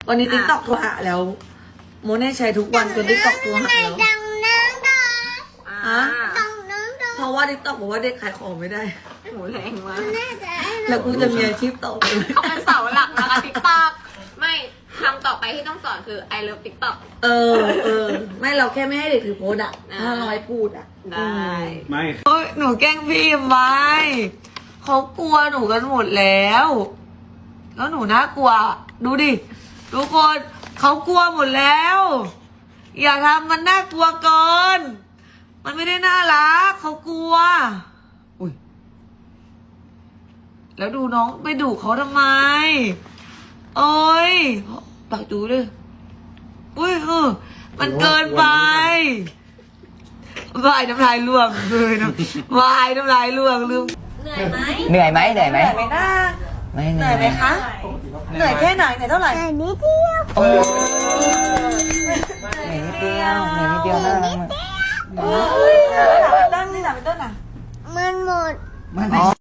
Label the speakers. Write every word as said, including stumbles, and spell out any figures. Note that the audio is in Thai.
Speaker 1: วันนี้ติ๊กต็อกโทรหาแล้วโมเน่ใช้ทุกวันจนติ๊กต็อกโทรหาแล้ว
Speaker 2: ดังน้องดัง
Speaker 1: ฮะ
Speaker 2: ดังน้องดัง
Speaker 1: เพราะว่าติ๊กต็อกบอกว่าเด็กขายของไม่ได้
Speaker 3: หมูแรงมาก
Speaker 2: น่าจะ
Speaker 1: แล้วกูจะมีอาชีพต่อไปไหม
Speaker 3: เขาเป็นเสาหลักนะคะติ๊กต็อกไม่คำต่อไปที่ต้องสอนคือ I love TikTok
Speaker 1: เออเออไม่เราแค่ไม่ให้เด็กถือโพสอะ
Speaker 3: อ่า
Speaker 1: ถ้าเราให้พูดอะ
Speaker 3: ได้
Speaker 4: ไม่
Speaker 1: โอ้ยหนูแกล้งพี่ไหมเขากลัวหนูกันหมดแล้ว แล้วหนูน่ากลัว ดูดิทุกคนเขากลัวหมดแล้ว อย่าทำมันน่ากลัวเกิน มันไม่ได้น่ารักเขากลัวอุ้ยแล้วดูน้องไปดุเขาทำไมโอ้ยปากดูเลยอุ้ยเออมันเกินไปวายน้ำลายร่วงเลยนะวายน้ำลายร่วงลืม
Speaker 3: เหนื่อยไหม
Speaker 5: เหนื่อยไหมเหนื่อยไหม
Speaker 1: เหนื่อยไหมนะ
Speaker 5: ไม่
Speaker 1: เห
Speaker 5: เห
Speaker 1: นื่
Speaker 5: นื่
Speaker 1: อ
Speaker 5: อย ย
Speaker 1: ไหมคะเหนื่อยแค่ไหนเหนื่อยเท่าไหร่
Speaker 2: แต่นิดเดียว
Speaker 5: โอ้เหนื่อยนิดเดียวเหนื่อยนิดเดียวน่ารักมาก
Speaker 1: โอ้ยถามต้นนี่ถามต้นอ่ะ
Speaker 2: มันหมด
Speaker 5: มันอ๋อ